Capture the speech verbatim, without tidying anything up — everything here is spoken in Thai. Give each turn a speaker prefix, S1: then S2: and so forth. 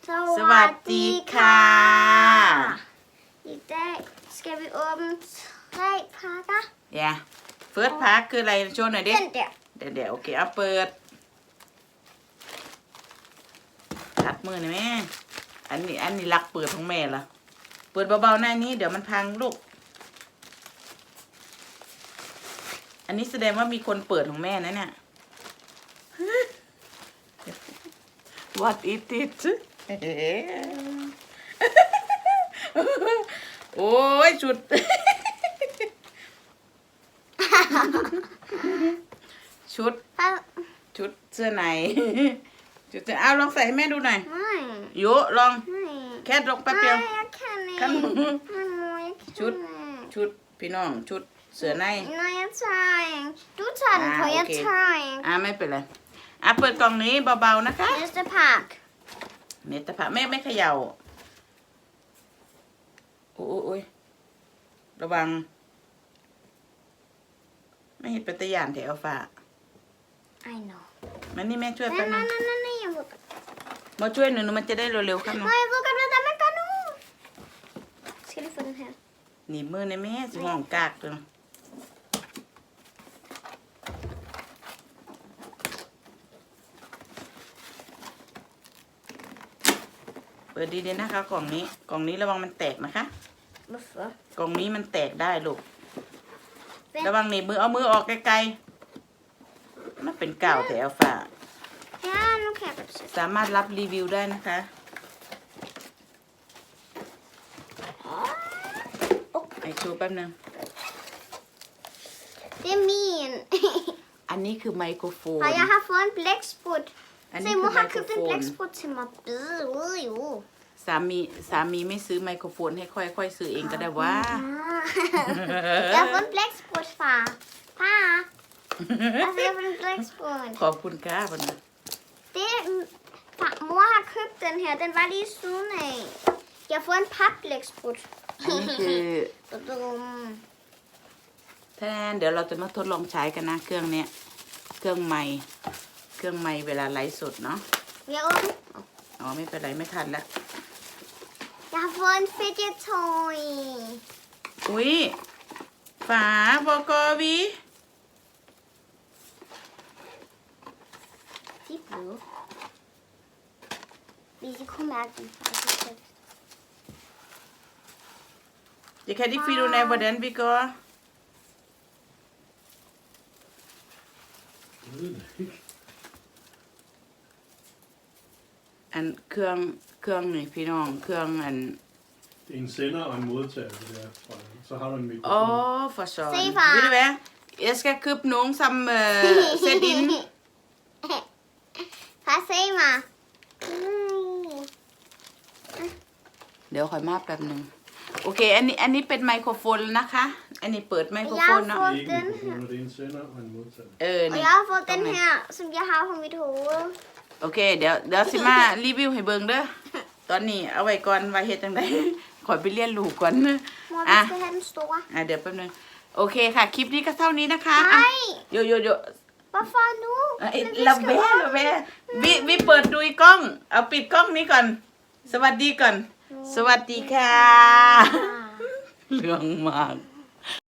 S1: สวัสดีค่ะ
S2: I dag skal vi åbne tre pakker.
S1: Ja, first pack คืออะไรโชว์หน่อยดิ
S2: Den der.
S1: เดี๋ยวเดี๋ยวโอเคเอาเปิดตัดมือหน่อยแม่อันนี้อันนี้รักเปิดของแม่ละเปิดเบาๆหน้านี้เดี๋ยวมันพังลูกอันนี้แสดงว่ามีคนเปิดของแม่นะเนี่ย What is it โอ้ยชุด ชุด
S2: Hvad?
S1: ชุดเสื้อใน ชุดเสื้อเอาลองใส่ให้แม่ดูหน่อย
S2: Nej.
S1: โยลอง
S2: Nej.
S1: แค่ลงแป๊บเดียว
S2: Nej, jeg kan ikke.
S1: Kan du?
S2: Mamma, jeg kan
S1: Shoot.
S2: ikke.
S1: ชุดพี่น้องชุดเสื้อใน
S2: Nej, jeg tør ikke. Du tager den
S1: Ah,
S2: på, jeg
S1: okay.
S2: tør ikke.
S1: อ่าไม่เป็นไรอ่ะเปิดกล่องนี้เบาๆนะคะ
S2: Næste pakke.
S1: เมตาผะแม่ไม่เขย่าโอ้โอ้ยระวัง ไม่เห็นเป็นตะยานแถวฟ้า
S2: I know.
S1: มันนี่แม่ช่วย
S2: Nej,
S1: แป๊บนึ
S2: nej,
S1: ง
S2: nej, nej, nej, jeg ved godt.
S1: มาช่วยหนูหนูมันจะได้เร็วๆครับหนู
S2: Nej, jeg ved godt, hvad det er, man gør nu. Skal lige få den her.
S1: หนีบมือในแม่สิห้องกากตัวนะเปิดดีๆนะคะกล่องนี้กล่องนี้ระวังมันแตกนะคะ
S2: Hvorfor?
S1: กล่องนี้มันแตกได้ลูก
S2: Vent.
S1: ระวังหนีบมือเอามือออกไกลๆมันเป็นกาวแถวฝา
S2: Ja, nu kan jeg godt se.
S1: สามารถรับรีวิวได้นะคะ ไอชูแป๊บนึง
S2: Det er min.
S1: อันนี้คือไมโครโฟน
S2: Og jeg har fået en blæksprut.
S1: อัน
S2: Se,
S1: นี้คือ
S2: mor
S1: ไม
S2: har
S1: โคร
S2: købt
S1: โฟ
S2: en
S1: น
S2: blæksprut til mig. Bide ude jo.
S1: สามีสามีไม่ซื้อไมโครโฟนให้ค่อยๆซื้อเองก็ได้ว่า
S2: Jeg har fået en blæksprut, far. Far. Altså, jeg har fået en blæksprut.
S1: ขอบคุณค่ะพ่อนะ
S2: Det, far, mor har købt den her. Den var lige siden af. Jeg har fået en papblæksprut.
S1: อันนี้คือ
S2: Dum.
S1: แทนเดี๋ยวเราจะมาทดลองใช้กันนะเครื่องเนี้ยเครื่องไมค์เครื่องไมค์เวลาไลฟ์สดเนาะ
S2: Jeg åbner.
S1: อ๋อไม่เป็นไรไม่ทันละ
S2: Jeg har fået en fidget toy.
S1: อุ้ยฝาบกวี
S2: De er bløde. Hvis I kunne mærke dem.
S1: Jeg kan ikke finde ud af, hvordan vi gør. En เครื่องเครื่องนี่พี่น้องเครื่องอัน
S3: Det er en sender og en modtager, det der. fra- Så har du en mikrofon.
S1: อ๋อ for søren.
S2: Se, far.
S1: Ved du hvad? Jeg skal købe nogen, som øh, sætter ind.
S2: Far, se mig. Mm.
S1: เดี๋ยวคอยมาแป๊บหนึ่งโอเค อันนี้อันนี้เป็นไมโครโฟนนะคะ อันนี้เปิดไมโครโฟนเนาะ
S2: Jeg har
S3: Det er ikke
S2: Den
S3: mikrofoner, det er en sender og en modtager.
S1: เออ
S2: Og
S1: นี่
S2: jeg har fået den her, som jeg har på mit hoved.
S1: โอเค เดี๋ยวเดี๋ยวสิมารีวิวให้เบิ่งเด้อ ตอนนี้เอาไว้ก่อนไว้เฮ็ดจังได ขอไปเรียนรู้ก่อน
S2: Mor, vi
S1: Ah.
S2: skal have den store.
S1: อ่ะเดี๋ยวแป๊บหนึงโอเคค่ะ คลิปนี้ก็เท่านี้นะคะอ่ะ
S2: Nej,
S1: โยโยโย
S2: hvorfor nu?
S1: เอ้ย
S2: Men vi
S1: ระ
S2: skal
S1: เบ้
S2: op.
S1: ระเบ้วิวิเปิดดูอีกกล้อง เอาปิดกล้องนี้ก่อน สวัสดีก่อน สวัสดีค่ะ
S2: Ah.
S1: เรื่องมาก